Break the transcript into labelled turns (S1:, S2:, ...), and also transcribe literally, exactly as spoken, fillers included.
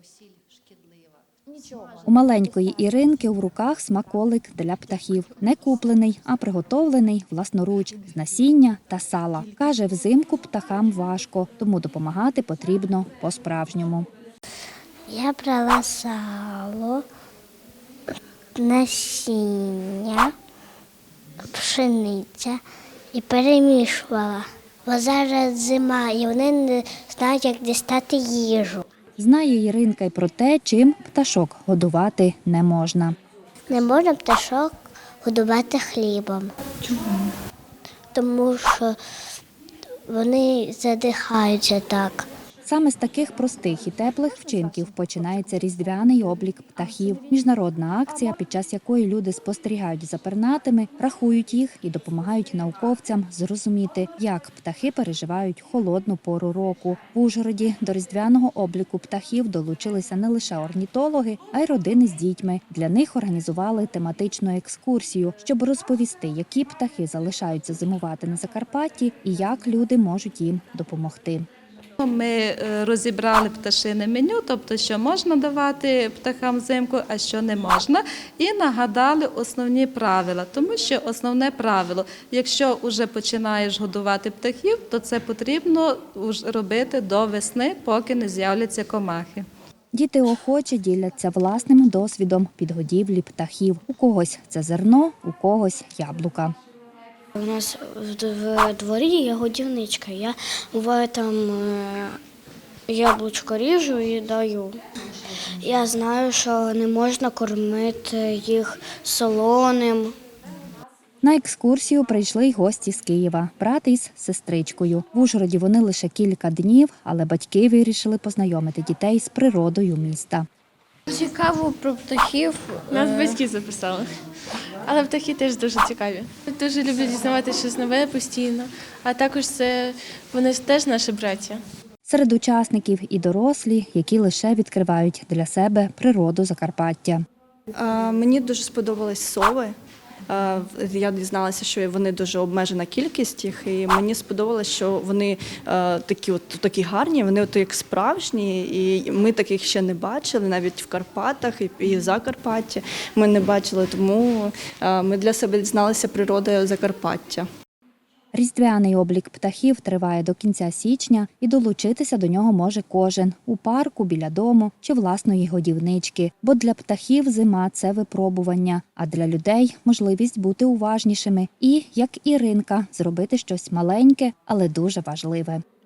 S1: У маленької Іринки в руках смаколик для птахів. Не куплений, а приготовлений власноруч з насіння та сала. Каже, взимку птахам важко, тому допомагати потрібно по-справжньому.
S2: Я брала сало, насіння, пшениця і перемішувала. Бо зараз зима і вони не знають, як дістати їжу.
S1: Знає Іринка й про те, чим пташок годувати не можна.
S2: Не можна пташок годувати хлібом.
S1: Чому?
S2: Тому що вони задихаються так.
S1: Саме з таких простих і теплих вчинків починається різдвяний облік птахів. Міжнародна акція, під час якої люди спостерігають за пернатими, рахують їх і допомагають науковцям зрозуміти, як птахи переживають холодну пору року. В Ужгороді до різдвяного обліку птахів долучилися не лише орнітологи, а й родини з дітьми. Для них організували тематичну екскурсію, щоб розповісти, які птахи залишаються зимувати на Закарпатті і як люди можуть їм допомогти.
S3: Ми розібрали пташине меню, тобто, що можна давати птахам взимку, а що не можна, і нагадали основні правила. Тому що основне правило, якщо вже починаєш годувати птахів, то це потрібно робити до весни, поки не з'являться комахи.
S1: Діти охоче діляться власним досвідом підгодівлі птахів. У когось це зерно, у когось яблука.
S2: У нас в дворі є годівничка. Я буває там яблучко ріжу і даю. Я знаю, що не можна кормити їх солоним.
S1: На екскурсію прийшли й гості з Києва, брат із сестричкою. В Ужгороді вони лише кілька днів, але батьки вирішили познайомити дітей з природою міста.
S4: Цікаво про птахів.
S5: Нас батьки записали. Але птахи теж дуже цікаві. Дуже люблю дізнавати щось нове постійно, а також це вони теж наші браття.
S1: Серед учасників і дорослі, які лише відкривають для себе природу Закарпаття.
S6: Мені дуже сподобались сови. Я дізналася, що вони дуже обмежена кількість їх, і мені сподобалось, що вони такі от такі гарні, вони от як справжні, і ми таких ще не бачили, навіть в Карпатах і в Закарпатті ми не бачили, тому ми для себе дізналися природою Закарпаття.
S1: Різдвяний облік птахів триває до кінця січня, і долучитися до нього може кожен – у парку, біля дому чи власної годівнички. Бо для птахів зима – це випробування, а для людей – можливість бути уважнішими і, як Іринка, зробити щось маленьке, але дуже важливе.